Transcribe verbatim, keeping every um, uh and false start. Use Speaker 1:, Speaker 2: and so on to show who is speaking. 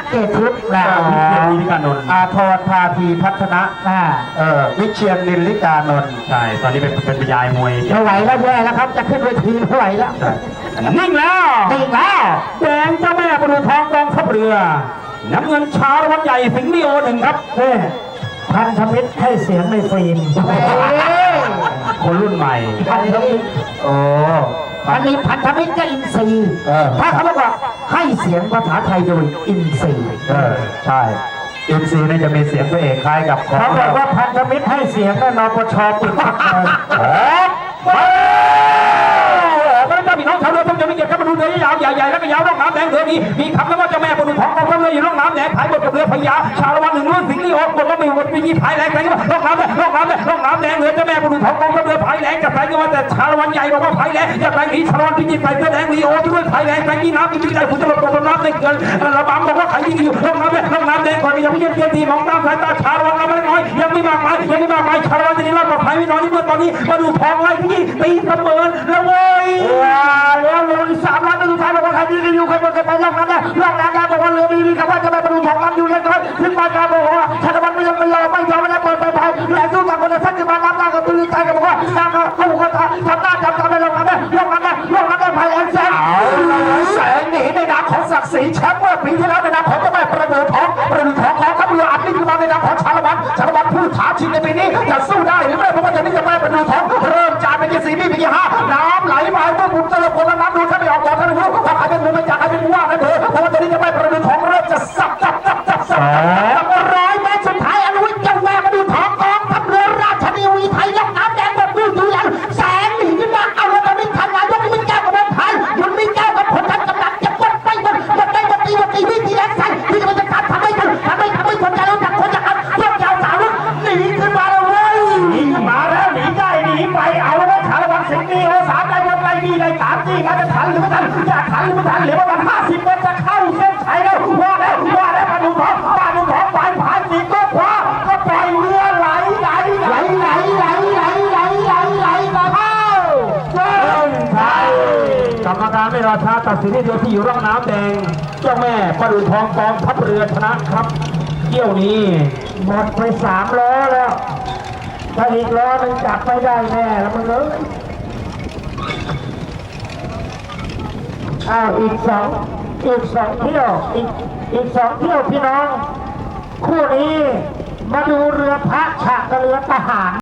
Speaker 1: เกตทิพย์นะ
Speaker 2: วิเชียนนิลิกานนท์
Speaker 1: อาทรพาธีพัฒนะเออวิเชียนนิลิกานนท์
Speaker 2: ใช่ตอนนี้เป็นเป็นยายมวย
Speaker 1: ไม่ไหวแล้วแย่แล้วครับจะขึ้นเวทีไม่ไหวแล้ว
Speaker 2: นิ่งแล้ว
Speaker 1: นิ่งแล้ว
Speaker 2: แดงเจ้าแม่ประดูทองกองทัพเรือน้ำเงินชาละวันใหญ่สิงห์ลีโอหนึ่งครับ
Speaker 1: เฮ้พันธมิตรให้เสียงในฟิล์ม
Speaker 2: คนรุ่นใหม่
Speaker 1: พันธมิตรโอ้อันนี้พันธมิตรก็อินซีถ้าเขาบอกว่าให้เสียงภาษาไทยโดยอินซี
Speaker 2: ใช่อินซีนี่จะมีเสียงตัวเอกคล้ายกับ
Speaker 1: เขาบอกว่าพันธมิตรให้เสียงนั่นนปชปิดพักเลย
Speaker 2: พระเจ้าพี่น้องชาวเรือต้องจะมีเกียรติกับมาดูเรือยาวใหญ่ๆแล้วก็ยาวร่องน้ำแดงเรือมีมีคำแล้วว่าเจ้าแม่ประดูทองกองทัพเรืออยู่ร่องน้ำแดงขายบทกับเรือพญาชาละวันหนึ่งรุ่นสิงห์ลีโอบทว่ามีบทมีพายแรงแรงว่าร่องน้ำแดงร่องน้ำแดงร่องน้ำแดงเรือเจ้าแม่ประดูทองกองทัพเรือพายแรงจะแรงก็ว่าแต่ชาละวันใหญ่บอกว่าพายแรงจะแรงนี้ชาละวันพิจิตรใส่เสื้อแดงลีโอด้วยพายแรงแรงที่น้ำพิจิตรใส่ฝุ่นจะหลบตกน้ำในเกินระบำบอกว่าใครที่อยู่ร่องน้ำแดงร่องน้ำแดงคนยังไม่ยังเกียรติมองตามสายตาชาละวันเราไม่น้อยยังไม่มากมายยังไม่มากมายชาละวันจะได้รับปลอดภัยไม่น้อยนี่เมื่อตอนนี้ประดูทองไล่ที่ตีเสมอแล้วเว้ย
Speaker 1: แล้วลงสามล้านเป็นสุดท้ายบอกว่าใครดีกันอยู่ใครเป็นใครไปล่องน้ำได้ล่องน้ำได้บอกว่าเรือดีดีกับว่าจะไปประดูทองน้ำอยู่ยังไงถึงมาการบอกว่าชาติวันไม่ยอมไม่ยอมไม่ยอมไม่ได้เปิดไปไปแหล่งสู้กับคนละสักจะมาน้ำได้กับตัวใจกับบอกว่าน้ำเขาบอกว่าทำหน้าจำจำไปล่องน้ำได้ล่องน้ำได้ล่องน้ำได้ภายแอนแสงแสงหนีในนามของศักดิ์ศรีแชมป์เมื่อปีที่แล้วในนามของเจ้าแม่ประดูทองประดูทองแล้วทัพเรืออัดนี่คือมาในนามของชาละวันชาละวันผู้ท้าชิงในปีนี้จะสู้ได้หรือไม่เพราะว่าจะนี่จะแม่ประดูทองเริ่มจานเป็นยี่สี่นี่เป็นยี่ห้าน้ำไหลมาเมื่อบุกตะลุคนละน้ำดูถ้าไม่ออกก่อนถ้าไม่รู้ว่าใครเป็นมือไม่จากใครเป็นว่ากันเถอะเพราะว่าตอนนี้จะแม่ประดูทองเริ่มจะสับสับสับสับสับร้อยเมตรสุดท้ายอนุวิทย์เจ้าแม่ประดูทองกองทัพเรือราชนาวีไทยล่องน้ำแดงแบบดูดูแล้วแสงหนีขึ้นมาเอาแล้วมันทันงานยกมีแก้วกับมันทันยุนมีแก้วกับผลทันกำลังจะกดไปหมดหมดได้หมดตีหมดตีวิธีแรงใส่ที่จะมันจะการทำไม่ทันทำไม่ทำไม่สนใจแล้วจากคนจากอันยกยาวสาวลุกหนีขึ้นมาแล้วเว้ย
Speaker 2: หนีขึ้นมาแล้วหนีได้หนีไปเอาแล้วชาละวันสิงห์ลีโอสามได้ยังไงดีเลยสามจี้มันจะทันหรือไม่ทันอยากทันหรือไม่ทันเหลือประมาณห้าสิบเมตรจะเข้าเส้นชัยแล้วว่าแล้วว่าแล้วมาดูท้องมาดูท้องฝ่ายผ่านสีก็คว้าก็ปล่อยเรือไหลไหลไหลไหลไหลไหลไหลไหลไหลมาเข้าเส้นชัยกรรมการไม่รอช้าตัดสินที่เดียวที่อยู่ร่องน้ำแดงเจ้าแม่ประดูทองกองทัพเรือชนะครับเที่ยวนี้
Speaker 1: หมดไปสามล้อแล้วถ้าอีกล้อนึงจับไม่ได้แน่แล้วมึงเลยอ้าวอีกสองอีกสองเที่ยวอีกอีกสองเที่ยวพี่น้องคู่นี้มาดูเรือพระฉากกับเรือทหาร